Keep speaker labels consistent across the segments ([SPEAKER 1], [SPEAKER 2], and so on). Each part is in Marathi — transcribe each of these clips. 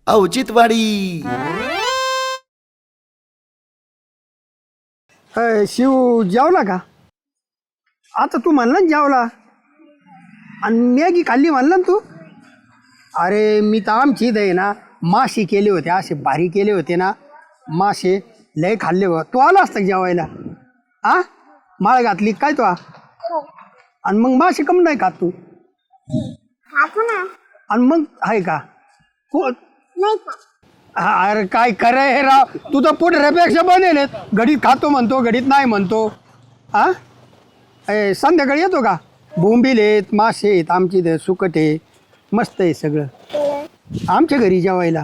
[SPEAKER 1] औचित्यवाडी.
[SPEAKER 2] शिव जेवला का? आता तू म्हणला ना जेवला आणि मॅगी खाल्ली म्हणला ना तू. अरे मी तर आमची इथं आहे ना मासे केले होते, असे भारी केले होते ना मासे, लय खाल्ले हो. तू आला असता जेवायला? आ माळ घातली काय तू? आणि मग मासे कम नाही खात तू? आणि मग आहे का अरे काय करे हे राव, तू तर पुढऱ्यापेक्षा बनेल. घडीत खातो म्हणतो, घडीत नाही म्हणतो. हा संध्याकाळी येतो का? बोंबील आहेत, मासे आहेत, आमची इथं सुकट आहे, मस्त आहे सगळं. आमच्या घरी जेवायला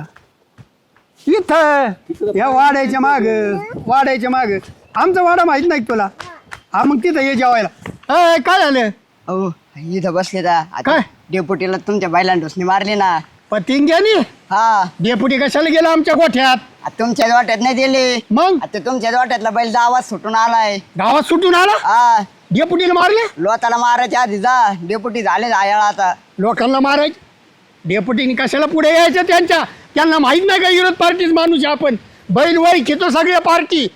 [SPEAKER 2] इथं या वाड्याच्या माग आमचा वाडा माहित नाही तुला? हा मग तिथं ये जेवायला. काय झालं?
[SPEAKER 3] अहो इथं बसले का
[SPEAKER 2] काय?
[SPEAKER 3] डेपुटीला तुमच्या बैलांना ढोसणी मारली ना.
[SPEAKER 2] पतिंग्यानी?
[SPEAKER 3] हा
[SPEAKER 2] डेपुटी कशाला गेला आमच्या गोठ्यात?
[SPEAKER 3] तुमच्याच वाट्यात नाही दिले.
[SPEAKER 2] मग
[SPEAKER 3] आता तुमच्याच वाट्यातला बैल आवाज सुटून आलाय.
[SPEAKER 2] गावात सुटून आला?
[SPEAKER 3] हा
[SPEAKER 2] डेपुटीला मारले?
[SPEAKER 3] लोताला मारायच्या आधी जा, डेपुटी झाले आयाळ आता.
[SPEAKER 2] लोकांना मारायचे? डेपुटीने कशाला पुढे यायचं त्यांना माहित नाही का विरोध पार्टीच माणूस आपण? बैल वय घेतो सगळ्या पार्टी.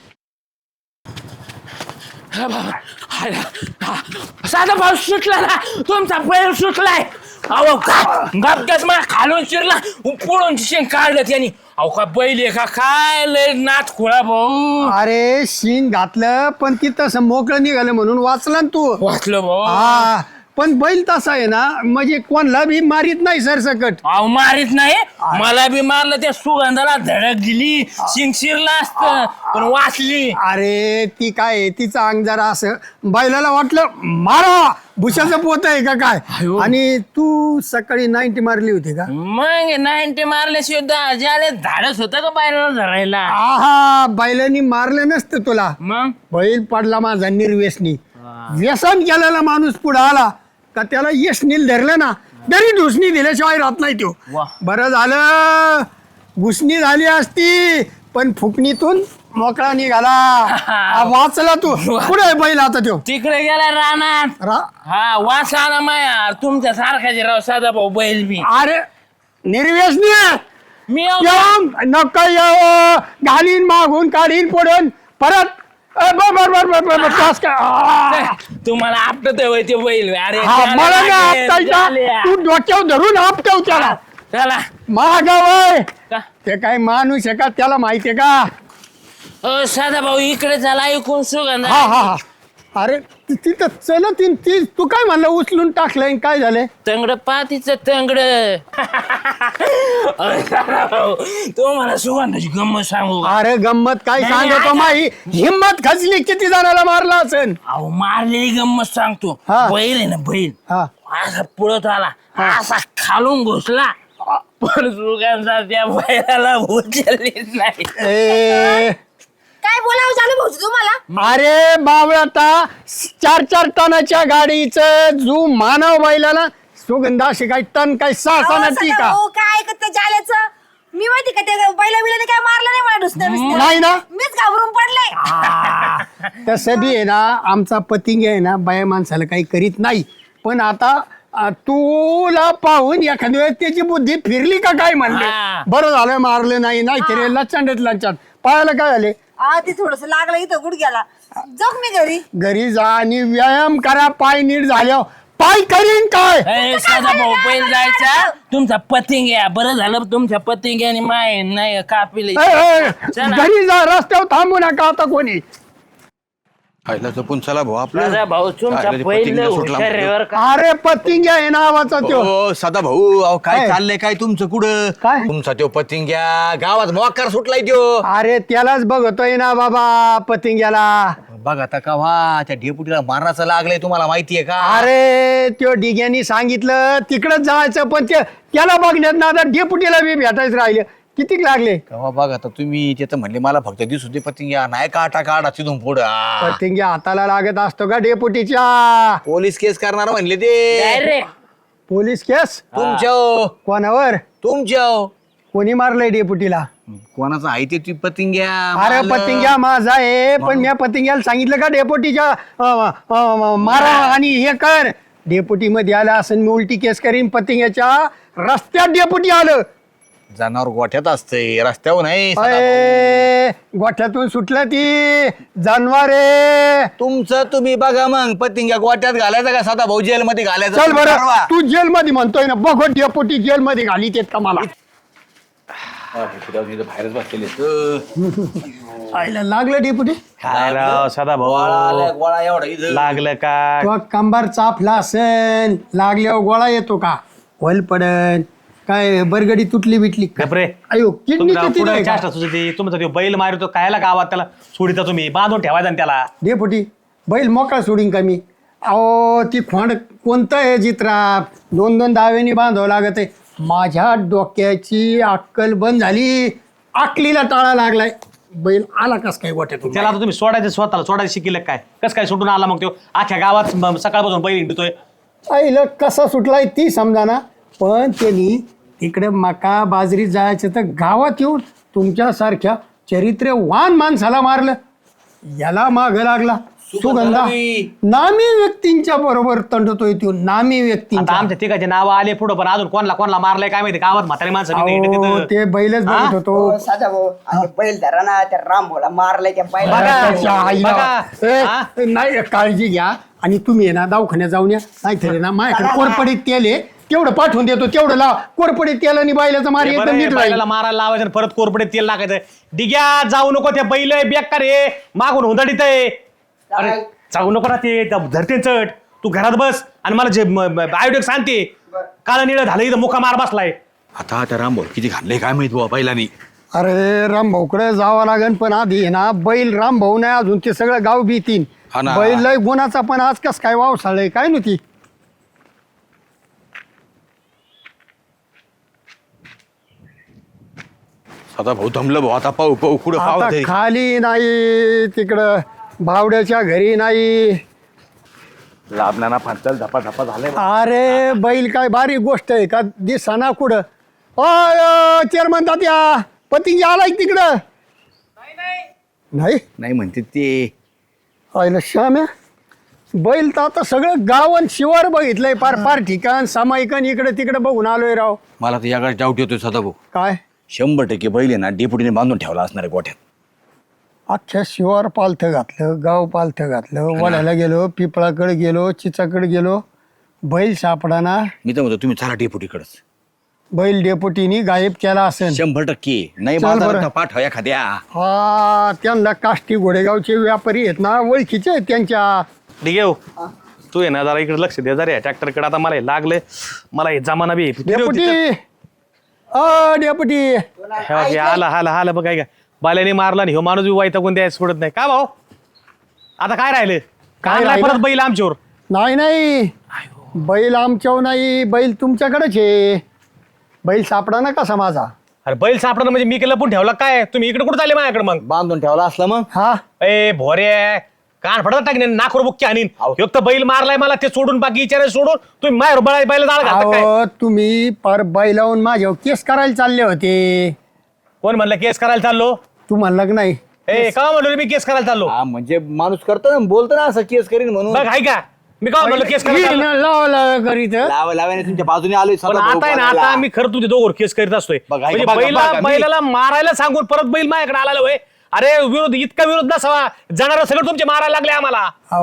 [SPEAKER 4] साधा भाऊ सुटला ना, तुमचा बैल सुटलाय. अहो गपक्याच मला खालून शिरला, पुढून शेंग काढलं त्यांनी. अहो का बैल आहे का काय? लय नाथ खुळा भाऊ.
[SPEAKER 2] अरे शिंग घातलं पण ती तसं मोकळं निघालं म्हणून वाचला ना तू.
[SPEAKER 4] वाचलं भाऊ.
[SPEAKER 2] हा पण बैल तसा आहे ना, म्हणजे कोणला बी मारित नाही सरसकट.
[SPEAKER 4] अहो मारित नाही, मला बी मारलं, त्या सुगंधाला धडक दिली, शिंग शिरला असत पण वाचली.
[SPEAKER 2] अरे ती काय आहे, तिचं अंग जरा असं बैलाला वाटलं मारा, भुशाचं पोत आहे का काय. आणि तू सकाळी 90 मारली होती का?
[SPEAKER 4] मग 90 मारल्याशिवाय ज्याला धाडस होतं का बाहेर धरायला?
[SPEAKER 2] आहा बैलांनी मारलं नसतं तुला.
[SPEAKER 4] मग
[SPEAKER 2] बैल पडला माझा निर्व्यसनी. व्यसन केलेला माणूस पुढे आला का त्याला यशनील धरलं ना, तरी घुसणी दिल्याशिवाय राहत नाही तो. बरं झालं घुसणी झाली असती पण फुकणीतून मोकळा निघाला. वाचला तू. पुढे बैल आता तो
[SPEAKER 4] तिकडे गेला रानात. हा वास आला माया तुमच्या सारखाचे राव साधा भाऊ बैल बी.
[SPEAKER 2] अरे निर्व्यसनी
[SPEAKER 4] मी
[SPEAKER 2] नका घालीन मागून काढीन पुढून परत.
[SPEAKER 4] तुम्हाला आपटत होय ते बैल. अरे
[SPEAKER 2] मला नाही आपटायचा, तू डोक्यावर धरून आपटव त्याला.
[SPEAKER 4] चला
[SPEAKER 2] महागावय ते काय माणूस आहे का? त्याला माहितीये का?
[SPEAKER 4] साधा भाऊ इकडे झाला ऐकून सुगंध.
[SPEAKER 2] हा हा हा. अरे तिथं चल ती तू काय म्हणलं उचलून टाकलंय काय झालंय?
[SPEAKER 4] तंगड पातीच तंगड. तो मला सुगंधाची गंमत सांगू.
[SPEAKER 2] अरे गंमत काय सांगतो माही, हिम्मत खचली किती जणाला मारला असेल.
[SPEAKER 4] अहो मारलेली गंमत सांगतो. बैल आहे ना बैल, असा पुढत आला, असा खालून घुसला, पण सुगंधा त्या बैलाला उचललीच नाही.
[SPEAKER 5] काय बोलावं झालं भाऊ तुम्हाला?
[SPEAKER 2] अरे बावळाता 4-4 टनाच्या गाडीचं जू मानव बैलाला सुगंधा अशी काय टन काय 6 टी का?
[SPEAKER 5] काय ऐकत त्या जाल्याचं? मी माहिती का त्या बैला बिलाने काय मारलं नाही मला ढुसणं
[SPEAKER 2] नाही ना.
[SPEAKER 5] मीच घाबरून पडले.
[SPEAKER 2] तसं बी आहे ना, आमचा पतिंग आहे ना बाया माणसाला काही करीत नाही. पण आता तुला पाहून एखाद्या वेळेस त्याची बुद्धी फिरली का काय म्हणले. बरं झालं मारलं नाही, नाही तरी लचांडत लचांड. पायाला काय झाले?
[SPEAKER 5] ती थोडस लागलं इथं गुडघ्याला. जाऊ मी
[SPEAKER 2] घरी जा आणि व्यायाम करा. पाय नीट झाल्यावर पाय करीन काय.
[SPEAKER 4] साधा भाऊ बैल जायचा तुमचा पतिंग आहे. बरं झालं तुमच्या पतिंग आणि माय नाही कापिले.
[SPEAKER 2] घरी जा, रस्त्यावर थांबू नका आता कोणी.
[SPEAKER 1] खायला जपून चला भाऊ आपला.
[SPEAKER 4] भाऊ तुमचा बैल हुशार.
[SPEAKER 2] अरे पतिंग्या आहे नावाचा त्यो.
[SPEAKER 1] हो सदा भाऊ, अहो काय चाललंय काय तुमचं कुठं?
[SPEAKER 2] काय?
[SPEAKER 1] तुमचा त्यो पतिंग्या गावात मोकार सुटलाय त्यो.
[SPEAKER 2] अरे त्यालाच बघतोय ना बाबा पतिंग्याला.
[SPEAKER 1] बघ आता का त्या डेपुटीला मारण्याचं लागलंय, तुम्हाला माहितीये का?
[SPEAKER 2] अरे त्यो डिग्यानी सांगितलं तिकडच जायचं, पण त्याला बघण्यात ना आता डेपुटीला बी भेटायचं राहिलं. किती लागले?
[SPEAKER 1] कवा बघ आता तुम्ही ते तर म्हणले मला फक्त दिसू दे पतिंग्या, नाही काटा काढा तिथून पुढं.
[SPEAKER 2] पतिंग्या हाताला लागत असतो का डेपुटीच्या?
[SPEAKER 1] पोलीस केस करणार म्हणले ते.
[SPEAKER 4] Direct
[SPEAKER 2] police case?
[SPEAKER 1] तुमच्या
[SPEAKER 2] कोणावर?
[SPEAKER 1] तुमच्या
[SPEAKER 2] कोणी मारलंय डेपुटीला?
[SPEAKER 1] कोणाचं आहे ते ती पतिंग्या?
[SPEAKER 2] अरे पतिंग्या माझा आहे, पण मी पतिंग्याला सांगितलं का डेपुटीच्या मारा आणि हे कर. डेपुटी मध्ये आला असं मी उलटी केस करीन. पतिंग्याच्या रस्त्यात डेपुटी आलं
[SPEAKER 1] जनावर गोठ्यात असते रस्त्यावर नाही
[SPEAKER 2] अय, गोठ्यातून सुटलं ती जानवारे.
[SPEAKER 1] तुमचं तुम्ही बघा मग पतिंग्या गोट्यात घालायचं का साधा भाऊ जेल मध्ये घालायचं
[SPEAKER 2] चल बरं
[SPEAKER 1] ठरवा.
[SPEAKER 2] तू जेल मध्ये म्हणतोय ना बघ डेपोटी जेल मध्ये घाली तेत का मला
[SPEAKER 1] बाहेरच बसलेले
[SPEAKER 2] आईला लागलं डेपुटी
[SPEAKER 6] काय राव सदा
[SPEAKER 1] गोळा
[SPEAKER 6] भाऊ
[SPEAKER 1] एवढा इथं.
[SPEAKER 6] लागलं का
[SPEAKER 2] तो कंबार चापला असेल लागल्यावर गोळा येतो का होल पडन काय बरगडी तुटली बिटली का?
[SPEAKER 6] गपरे
[SPEAKER 2] अयो किडनी किती नाही का?
[SPEAKER 6] चेष्टा तुझी तुमचा तो बैल मारतो कायला गावात त्याला सोडिता तुम्ही बांधून ठेवायचा ना त्याला
[SPEAKER 2] डेपुटी बैल मोकळा सोडीन का मी अहो ती खोंड कोणतं आहे जित्रा 2-2 दाव्यानी बांधावं लागत आहे माझ्या डोक्याची अक्कल बंद झाली आकलीला टाळा लागलाय बैल आला कस काय गोठ्यातून
[SPEAKER 6] त्याला आता तुम्ही सोडायचं स्वतःला सोडायचं शिकिलं काय कसं काय सुटून आला मग तो अख्ख्या गावात सकाळपासून बैल हिंडतोय
[SPEAKER 2] आईला कसा सुटलाय ती समजा ना पण त्यांनी इकडे मका बाजरी जायचं तर गावात येऊन तुमच्यासारख्या चरित्र्यवान माणसाला मारलं याला माग लागला सुगंधा नामी व्यक्तींच्या बरोबर तंडतोय तो नामी
[SPEAKER 6] आता
[SPEAKER 2] व्यक्तींच्या
[SPEAKER 6] आमच्या तिघाचे नाव आले पुढं पण अजून कोणला मारलंय काय माहिती गावात म्हातारी माणसं नाही हिंडत
[SPEAKER 2] अहो,
[SPEAKER 6] तिथं.
[SPEAKER 2] ते बैलच बघत होतो
[SPEAKER 3] साधा भाऊ आणि बैल धरा ना त्या रामभाऊला मारलाय त्या बैल
[SPEAKER 6] बघा.
[SPEAKER 2] त्याच्या आईला.
[SPEAKER 6] बघा.
[SPEAKER 2] ए, नाही काळजी घ्या आणि तुम्ही आहे ना दवाखान्यात जाऊन या नाहीतरी ना माझ्याकडे कोरपडीत तेल आहे तेवढं पाठवून देतो तेवढं लाव कोरपडीत तेल आणि बैलाचा मार
[SPEAKER 6] हे
[SPEAKER 2] एकदम
[SPEAKER 6] बरं आहे,
[SPEAKER 2] नीट राहील
[SPEAKER 6] बैलाला मारायला लावायचं आणि परत कोरपडे तेल टाकायचं डिग्या जाऊ नको ते बैल बेकार रे मागून हुंदडीत आहे अरे जाऊ नको ना ते धरते चढ तू घरात बस आणि मला जे आयोडक सांगते काळ निळ झालं इथं मुका मार बसलाय
[SPEAKER 1] आता त्या रामभाऊ किती घालले काय माहित बुवा बैलानी
[SPEAKER 2] अरे रामभाऊकडे जावं लागेल पण आधी आहे ना बैल रामभाऊ नाही अजून ते सगळं गाव भीतीन
[SPEAKER 1] हा ना.
[SPEAKER 2] बैल लय गुणाचा पण आज कस काय वावसाळय काय नव्हती
[SPEAKER 1] साधा भाऊ थांबलं भाऊ आता पाहू पाहू कुठं
[SPEAKER 2] आता
[SPEAKER 1] पाहू
[SPEAKER 2] खाली नाही तिकडं भावड्याच्या घरी नाही
[SPEAKER 1] लाभण्याना फांचल धपा धपा झाले
[SPEAKER 2] अरे बैल काय बारीक गोष्ट आहे का दिसाना कुठं अय चेअरमन तात्या पती आलाय तिकडं नाही
[SPEAKER 1] नाही म्हणते ते
[SPEAKER 2] आयला श्याम्या बैल तर आता सगळं गाव आणि शिवार बघितलंय पार पार ठिकाण सामायिकन इकडे तिकडे बघून आलोय राव
[SPEAKER 1] मला तर याकडे डाऊट येतोय सदा भाऊ
[SPEAKER 2] काय
[SPEAKER 1] 100% बैल आहे ना डेपुटीने बांधून ठेवला असणार आहे गोठ्यात
[SPEAKER 2] अख्ख्या शिवार पालथं घातलं गाव पालथं घातलं वड्याला गेलो पिपळाकडे गेलो चिचाकडे गेलो बैल सापडाना
[SPEAKER 1] मी तर म्हणतो तुम्ही चला डेपुटीकडेच
[SPEAKER 2] बैल डेपुटीनी गायब केला असेल
[SPEAKER 1] 100% नाही
[SPEAKER 2] चल बरं.
[SPEAKER 1] बाजारात पाठवा एखाद्या
[SPEAKER 2] हा त्यांना काष्टी घोडेगावचे व्यापारी आहेत ना ओळखीचे आहेत त्यांच्या
[SPEAKER 6] ठीक आहे तू आहे ना जरा इकडे लक्ष दे जरा ट्रॅक्टरकडे आता मला हे लागले मला हे जमाना बी
[SPEAKER 2] डेपुटी डेपुटी
[SPEAKER 6] आला बघ काय का बाल्याने मारला नाही ह्यो माणूस बी वैतागून द्यायला सोडत नाही का भाऊ आता काय राहिलं काय
[SPEAKER 2] राहिलं?
[SPEAKER 6] परत बैल आमच्यावर
[SPEAKER 2] नाही बैल आमच्यावर नाही बैल तुमच्याकडेच आहे बैल सापडा ना कसा माझा
[SPEAKER 6] अरे बैल सापडणं म्हणजे मी केलं पण ठेवला काय तुम्ही इकडे कुठे चालले माझ्याकडे मग
[SPEAKER 1] बांधून ठेवला असला मग
[SPEAKER 2] हा
[SPEAKER 6] ए भोरे कान फडत टाकणे नाकोर बुक्की आणीन एक तर बैल मारलाय मला ते सोडून बाकी विचारायला सोडून तुम्ही मायर बैल जाळ घालता काय
[SPEAKER 2] अहो तुम्ही पर बैलावून माझ्यावर केस करायला चालले होते
[SPEAKER 6] कोण म्हणलं केस करायला चाललो
[SPEAKER 2] तू म्हणला की नाही
[SPEAKER 6] ए का म्हणलो रे मी केस करायला चाललो
[SPEAKER 1] हा म्हणजे माणूस करतो ना बोलतो ना असं केस करीन म्हणून
[SPEAKER 6] बघ हाय का मी का म्हणलो केस करायला चाललो?
[SPEAKER 2] लावला करीत
[SPEAKER 1] लावाने तुमच्या बाजूने आलोय
[SPEAKER 6] पण
[SPEAKER 1] सदा भाऊ
[SPEAKER 6] आता आहे ना
[SPEAKER 1] बोलायला.
[SPEAKER 6] आता आम्ही खरं तुझे दोघं केस करीत असतोय
[SPEAKER 1] बघा,
[SPEAKER 6] म्हणजे
[SPEAKER 1] बघा, बघा, मी-
[SPEAKER 6] बैलाला मारायला सांगून परत बैल माझ्याकडे आला होय अरे विरोध इतका विरोध नसावा जाणार सगळं तुमचे मारायला लागले आम्हाला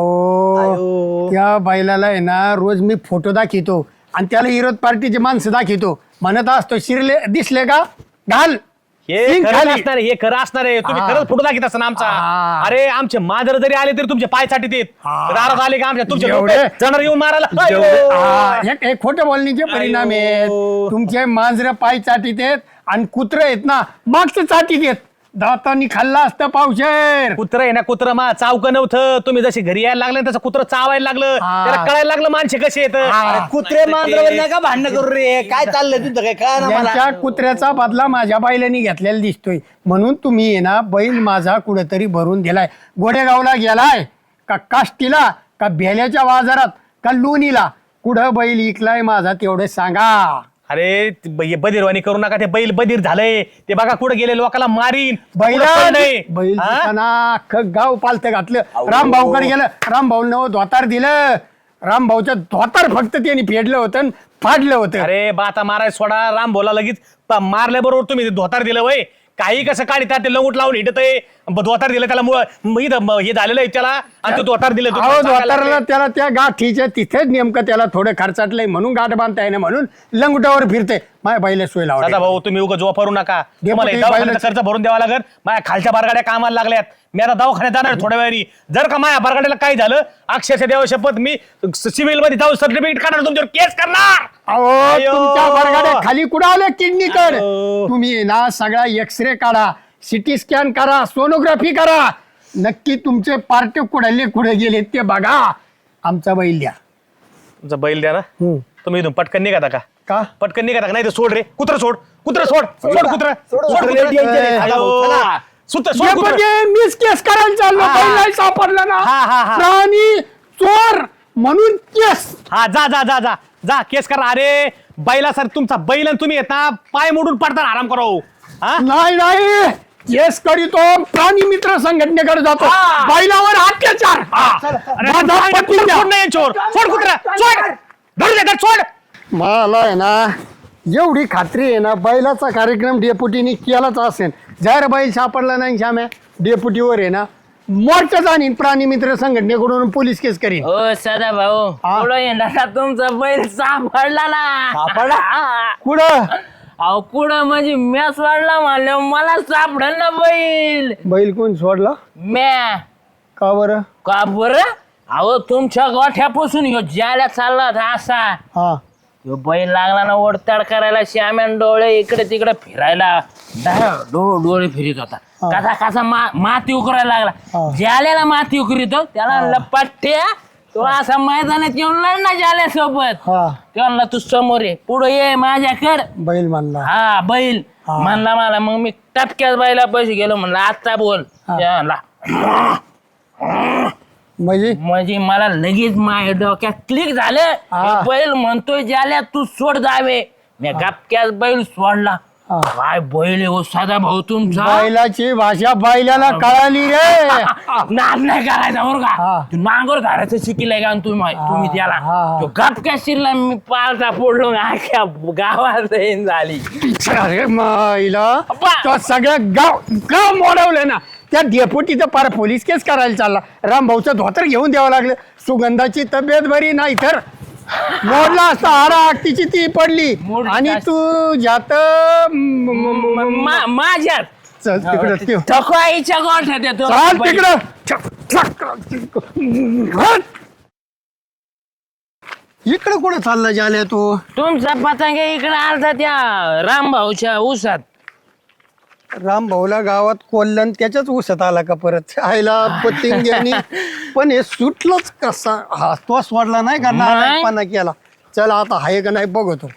[SPEAKER 2] अहो त्या बैलाला आहे ना रोज मी फोटो दाखवतो आणि त्याला विरोध पार्टीचे माणसं दाखवतो म्हणत असतो शिरले दिसले का घाल
[SPEAKER 6] हे
[SPEAKER 2] सिंग
[SPEAKER 6] खरं
[SPEAKER 2] खाली.
[SPEAKER 6] असणार आहे, हे खरं असणार आहे तुम्ही
[SPEAKER 2] हा.
[SPEAKER 6] खरंच फोटो दाखवत असता ना आमचा
[SPEAKER 2] हा.
[SPEAKER 6] अरे आमचे मांजर जरी आले तरी तुमच्या पाय साठी देत दारात आले का आमच्या तुमचे
[SPEAKER 2] जेवढे-
[SPEAKER 6] लोकं जाणार येऊन मारायला
[SPEAKER 2] जेवढे-
[SPEAKER 6] अयो.
[SPEAKER 2] हा, हे खोटं बोलण्याचे परिणाम आहेत
[SPEAKER 6] अयो.
[SPEAKER 2] तुमचे मांजर पाय चाटीत आहेत आणि कुत्र आहेत ना मागचं चाटीत आहेत दातांनी खाल्ला असतं पावशेर
[SPEAKER 6] कुत्र आहे ना कुत्र मा चावक नव्हतं तुम्ही जशी घरी यायला लागले तसं कुत्र चावायला लागलं
[SPEAKER 2] हा.
[SPEAKER 6] त्याला कळायला लागलं माणसे कसे येत
[SPEAKER 1] कुत्रे मांजरावर नाही का भांडणं करू रे काय चाललंय तुमचं काय काय ना मला
[SPEAKER 2] यांच्या कुत्र्याचा बदला माझ्या बैलांनी घेतलेला दिसतोय म्हणून तुम्ही आहे ना बैल माझा कुठेतरी भरून दिलाय गोडेगावला गेलाय का काष्टीला का बेल्याच्या बाजारात का लोणीला कुठं बैल इकलाय माझा तेवढं सांगा
[SPEAKER 6] अरे बधीरवाणी करू नका ते बैल बधीर झालंय ते बघा कुठे गेले लोकांना मारीन
[SPEAKER 2] बैल
[SPEAKER 6] कुठं पडलंय.
[SPEAKER 2] बैल
[SPEAKER 6] हा?
[SPEAKER 2] दिसताना अख्खं गाव पालतं घातलं रामभाऊकडे गेलं रामभाऊ नव धोतार दिलं रामभाऊच्या धोतर फक्त त्यांनी फेडलं होतं आणि फाडलं होतं.
[SPEAKER 6] अरे बाता माराय सोडा. राम बोला लगेच मारल्याबरोबर तुम्ही धोतार दिलं वय. काही कसं काढतात ते लंगूट लावून हिटत आहे. धोतार दिलं त्याला हे झालेलं आहे त्याला आणि तो धोतार दिलं.
[SPEAKER 2] अहो धोतारला त्याला त्या गाठीच्या तिथेच नेमकं त्याला थोडं खर्चाटलंय म्हणून गाठ बांधताय ना, म्हणून लंगुटावर फिरते. माझ्या बाईला सोय लावली.
[SPEAKER 6] दादा भाऊ तुम्ही उगाच वापरू नका. तुम्हाला
[SPEAKER 2] डेपुटी
[SPEAKER 6] दवाखान्याचा खर्च भरून द्यावा लागेल. माझ्या खालच्या बारगाड्या कामाला लागल्यात. मी आता दवाखान्यात जाणार थोड्या वेळी. जर का माझ्या बारगाड्याला काय झालं अक्षरशः देवा शपथ मी सिव्हिल मध्ये जाऊन सर्टिफिकेट काढणार, तुमच्यावर केस करणार.
[SPEAKER 2] अहो
[SPEAKER 6] अयो.
[SPEAKER 2] तुमच्या वर्गाने खाली कुठं आलं किडनी कड.
[SPEAKER 6] अयो.
[SPEAKER 2] तुम्ही ना सगळा एक्सरे काढा, सिटी स्कॅन करा, सोनोग्राफी करा. नक्की तुमचे पार्ट कुठे गेले ते बघा. आमचा बैल द्या.
[SPEAKER 6] तुमचा बैल द्या ना. तुम्ही इथून पटकन निघाता का?
[SPEAKER 2] का
[SPEAKER 6] पटकन निघाता का? नाही तर सोड रे. कुत्र सोड. कुत्र सोड. सोड कुत्र. सोड कुत्रं. सोड कुत्रं.
[SPEAKER 2] मीच केस करायला चाललो. बैल नाही सापडला ना.
[SPEAKER 6] हा.
[SPEAKER 2] प्राणी चोर म्हणून केस.
[SPEAKER 6] हा जा जा जा जा जा केस करा. अरे बैला सर तुमचा बैल आणि तुम्ही येता पाय मोडून पडता आराम करो. हा
[SPEAKER 2] नाही केस करीतो प्राणी मित्र संघटनेकडे जातो. बैलावर अत्याचार. माझा पती द्या.
[SPEAKER 6] सोड नाही चोर. सोड कुत्रा. सोड. धरू दे सोड.
[SPEAKER 2] मला आहे ना एवढी खात्री आहे ना, बैलाचा कार्यक्रम डेपुटीने केलाच असेल. जर बैल सापडला नाही श्याम्या, डेपुटीवर आहे ना मोर्चा जाणीन प्राणी मित्र संघटनेकडून पोलीस केस करीन.
[SPEAKER 4] हो सदा भाऊ पुढं येणार तुमचा बैल सापडला ना.
[SPEAKER 2] कुठं
[SPEAKER 4] अहो कुठं म्हणजे मॅच वाढला म्हणलं मला सापडल ना बैल.
[SPEAKER 2] बैल कोण सोडला
[SPEAKER 4] म्या
[SPEAKER 2] का बरं?
[SPEAKER 4] का बरं? अहो तुमच्या गोठ्यापासून ह्यो ज्याला चालला होता असा
[SPEAKER 2] हा
[SPEAKER 4] ह्यो बैल लागला ना ओढताड करायला. श्याम्यान डोळे इकडे तिकडे फिरायला डोळे फिरित होता. कसा कसा माती उकरायला लागला. ज्याला माती उकरितो त्याला लपाट्या तो असा मैदानात येऊन लढला ज्याल्या सोबत.
[SPEAKER 2] हा
[SPEAKER 4] त्याला तू समोर ये पुढे ये माझ्याकडे.
[SPEAKER 2] बैल मानला.
[SPEAKER 4] हा बैल म्हणला मला. मग मी टपक्यात बैला पैसे गेलो म्हणलं आता बोल. त्याला म्हणजे मला लगेच माझ्या डोक्यात क्लिक झालं. हे बैल म्हणतोय ज्याला तू सोड जावे. मी गपक्यात बैल सोडला. काय बैल हो साधा भाऊ तुमचा.
[SPEAKER 2] बैलाची भाषा बैलाला कळाली रे.
[SPEAKER 4] नाद नाही करायचा बरं का. तू नांगर धारायचं शिकलाय का तुम्ही त्याला. तो गपक्यात शिरला. मी पालता पडलो अख्या गावात झाली.
[SPEAKER 2] अरे माईला तो सगळं गाव मोडवलं ना. त्या डेपुटीचं पार पोलीस केस करायला चालला. रामभाऊचं धोतर घेऊन द्यावं लागलं. सुगंधाची तब्येत बरी नाही तर मोडला असता. हाडा तिची ती पडली. आणि तू जात
[SPEAKER 4] माझ्यात
[SPEAKER 2] चल तिकडं
[SPEAKER 4] ठकवाईच्या गोठ्यात येतो.
[SPEAKER 2] चाल तिकडं. इकडं कुठं चालला जाल्या तू?
[SPEAKER 4] तुमचा पतंग इकडे आलता त्या रामभाऊच्या ऊसात.
[SPEAKER 2] रामभाऊला गावात कोल्हन त्याच्याच उसत आला का परत आयला पतिंग्यानी. पण हे सुटलंच कसा. हा तो सोडला नाही का नारायणपणा केला. चला आता हाय का नाही बघतो.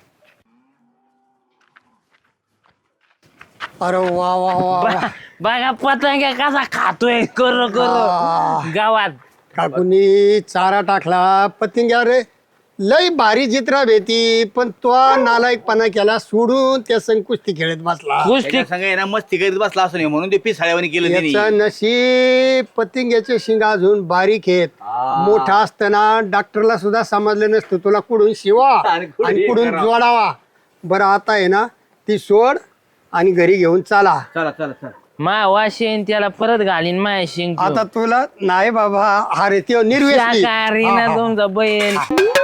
[SPEAKER 2] अरे वा वा वा
[SPEAKER 4] बघा पतंग कसा खातोय कर गावात.
[SPEAKER 2] काकूनी चारा टाकला. पतिंग्या रे लय भारी चित्रा भेटी. पण तो नालायकपणा केला सोडून त्या संग कुस्ती खेळत बसला.
[SPEAKER 1] सांगा मस्ती करीत बसला असं नाही म्हणून ते पिसाळ्यावानी केलं त्यांनी.
[SPEAKER 2] याचं नशीब पतिंग्याचे शिंग अजून बारीक आहेत. मोठा असताना डॉक्टरला सुद्धा समजलं नसतं तुला कुठून शिवा आणि कुठून जोडावा. बरं आता आहे ना ती सोड आणि घरी घेऊन चला.
[SPEAKER 1] चला चला चला.
[SPEAKER 4] मा वाशेन त्याला परत घालीन माय शिंग.
[SPEAKER 2] आता तुला नाही बाबा. अरे ते निर्वेश
[SPEAKER 4] तुमचा बैल